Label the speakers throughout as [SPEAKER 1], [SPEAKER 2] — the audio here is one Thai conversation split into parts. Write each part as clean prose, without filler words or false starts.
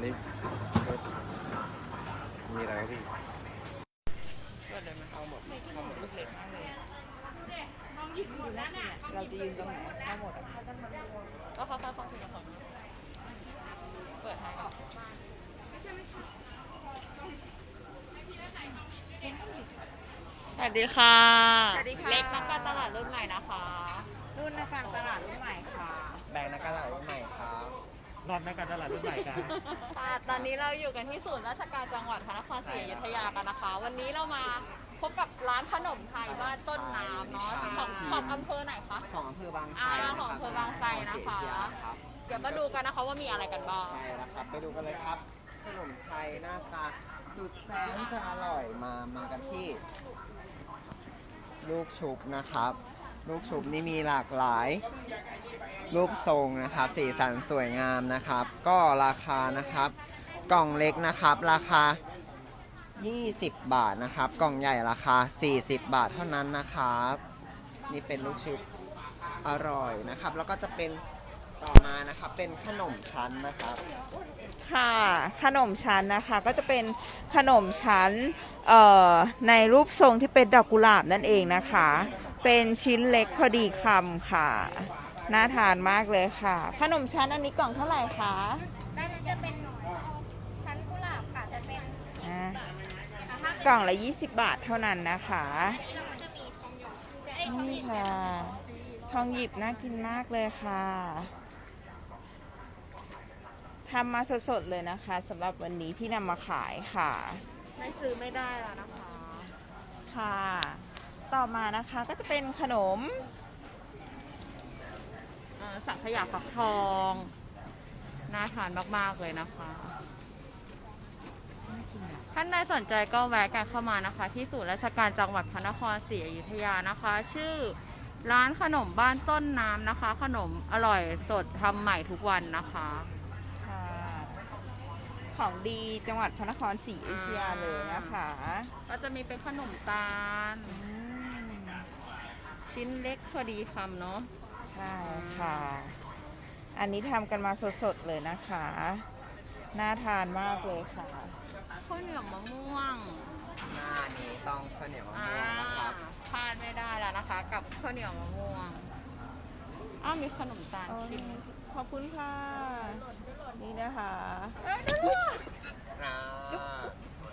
[SPEAKER 1] นี่มีอะไรครับพี่
[SPEAKER 2] ก็เลยมา
[SPEAKER 1] เอาหมดเอาหมด
[SPEAKER 2] เล็กมากเลยเราจะยืนตรงไหนทั้งหมดก็ค่อยๆฟังทีละคนเปิดให้ก่อนสวัสดีค่ะเล็กนักการตลาดรุ่นใหม่นะคะรุ่นนักการตลาดรุ่นใหม่ค่ะ
[SPEAKER 1] แบงค์นักการตลาดรุ่นใหม่ครับ
[SPEAKER 3] รอบนักการตลาดรุ่นใหม่ครับ
[SPEAKER 2] ตอนนี้เราอยู่กันที่ศูนย์ราชการจังหวัดพระนครศรีอยุธยากันนะคะวันนี้เรามาพบกับร้านขนมไทยบ้านต้นน้ำเนาะของอำเภอไหนคะ
[SPEAKER 1] ของอำเภอบางไทร
[SPEAKER 2] ของอำเภอบางไทรนะคะเดี๋ยวมาดูกันนะคะว่ามีอะไรกันบ้าง
[SPEAKER 1] ใช่แล้วครับไปดูกันเลยครับขนมไทยหน้าตาสุดแสนจะอร่อยมากันที่ ลูกชุบนะครับ ลูกชุบนี่มีหลากหลายรูปทรงนะครับสีสันสวยงามนะครับ ก็ราคานะครับ กล่องเล็กนะครับราคา20 บาทนะครับ กล่องใหญ่ราคา40 บาทเท่านั้นนะครับนี่เป็นลูกชุบอร่อยนะครับแล้วก็จะเป็นต่อมานะครับเป็นขนมชั้นนะครับ
[SPEAKER 4] ค่ะขนมชั้นนะคะก็จะเป็นขนมชั้นในรูปทรงที่เป็นดอกกุหลาบนั่นเองนะคะเป็นชิ้นเล็กพอดีคำค่ะน่าทานมากเลยค่ะขนมชั้นอันนี้กล่องเท่าไหร่คะ
[SPEAKER 5] ด้านนั้นจะเป็นชั้นกุหลาบค่ะจะเป็น
[SPEAKER 4] อ่า
[SPEAKER 5] ถ้าเป็น
[SPEAKER 4] กล่องละ20 บาทเท่านั้นนะคะ
[SPEAKER 5] เราก็จะมีทองหยดทองห
[SPEAKER 4] นี่
[SPEAKER 5] ยิบ
[SPEAKER 4] ค่ะทองหยิบน่ากินมากเลยค่ะทำมาสดๆเลยนะคะสำหรับวันนี้ที่นำมาขายค่ะ
[SPEAKER 2] ไม่ซื้อไม่ได้แล้วนะคะ
[SPEAKER 4] ค่ะ ต่อมานะคะก็จะเป็นขนม
[SPEAKER 2] สังขยาฟักทองน่าทานมากๆเลยนะคะท่านใดสนใจก็แวะกันเข้ามานะคะ ที่ศูนย์ราชการจังหวัดพระนครศรีอยุธยานะคะ ชื่อร้านขนมบ้านต้นน้ำนะคะ ขนมอร่อยสดทำใหม่ทุกวันนะคะ
[SPEAKER 4] ค่ะของดีจังหวัดพระนครศรีอยุธยาเลยนะคะ
[SPEAKER 2] ก็จะมีเป็นขนมตาล
[SPEAKER 4] อืม
[SPEAKER 2] ชิ้นเล็กพอดีคำเนาะ
[SPEAKER 4] ใช่ค่ะ อันนี้ทำกันมาสดๆเลยนะคะ น่าทานมากเลยค่ะ
[SPEAKER 2] ข้าวเหนียวมะม่วง
[SPEAKER 1] หน้านี้ต้องข้าวเหนียวมะม่วงนะครับ
[SPEAKER 2] พลาดไม่ได้แล้วนะคะ กับข้าวเหนียวมะม่วงมีขนมตาลชิ้น
[SPEAKER 4] ขอบคุณค่ะ นี่นะคะ
[SPEAKER 1] อ่า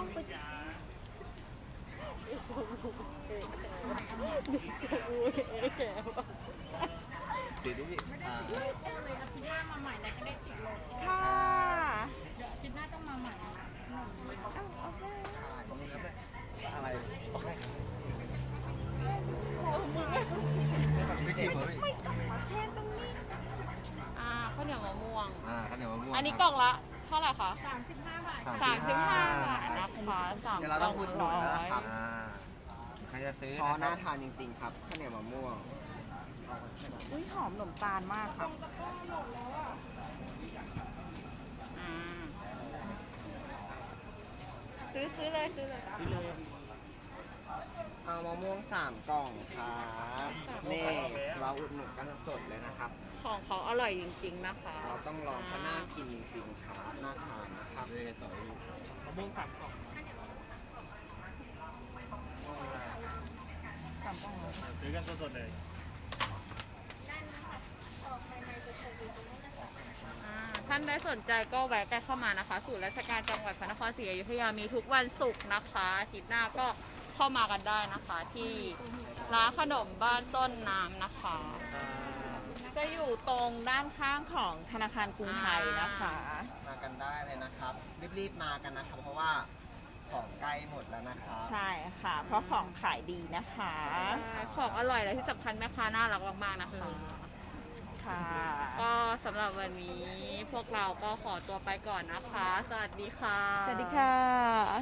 [SPEAKER 1] ติดดิพี่
[SPEAKER 4] ค่ะ
[SPEAKER 1] อะไร ไม่ชิมเหรอพี่
[SPEAKER 2] ข้าวเหนียวมะม่วง
[SPEAKER 1] ข้าวเหนียวมะม่วง
[SPEAKER 2] อันนี้กล่องละเท่าไหร่คะ
[SPEAKER 5] 35 บาท
[SPEAKER 2] 35 บาทนะคะ3
[SPEAKER 1] เดี๋ยวเรา
[SPEAKER 2] ก
[SPEAKER 1] ต้
[SPEAKER 2] ล่
[SPEAKER 1] อ
[SPEAKER 2] อง ง
[SPEAKER 1] พูดหนุน
[SPEAKER 2] ร้
[SPEAKER 1] แล้ว
[SPEAKER 2] อย
[SPEAKER 1] นะครับใครจะซื้อเพราะน่าทานจริงๆครับข้าวเหนียวมะม่วง
[SPEAKER 4] อุ้ยหอมขนมตาลมากค่ะ
[SPEAKER 2] อ่าซื้อเลยซื้อเลย
[SPEAKER 1] เอามะม่วง3 กล่องครับนี่เราอุดหนุนกันสดๆเลยนะครับ
[SPEAKER 2] ของเขาอร่อยจริงๆนะคะ
[SPEAKER 1] เราต้องลองเพราะน่ากินจริงๆครับน่าทานนะครับเลยต่อ
[SPEAKER 3] มะม่วง3 กล่องซื้อกันสดๆเลย
[SPEAKER 2] ท่านใดสนใจก็แวะกันเข้ามานะคะศูนย์ราชการจังหวัดพระนครศรีอยุธยามีทุกวันศุกร์นะคะอาทิตย์หน้าก็เข้ามากันได้นะคะ ที่ร้านขนมบ้านต้นน้ำนะคะ
[SPEAKER 4] จะอยู่ตรงด้านข้างของธนาคารกรุงไทยนะคะ
[SPEAKER 1] มากันได้เลยนะครับ รีบๆมากันนะครับ เพราะว่าของใกล้หมดแล้วนะครับ
[SPEAKER 4] ใช่ค่ะ เพราะของขายดีนะคะ
[SPEAKER 2] ของอร่อยและที่สำคัญแม่ค้าน่ารักมากๆนะคะ
[SPEAKER 4] ค่ะ
[SPEAKER 2] ก็สำหรับวันนี้พวกเราก็ขอตัวไปก่อนนะคะ สวัสดีค่ะ
[SPEAKER 4] สวัสดีค่ะ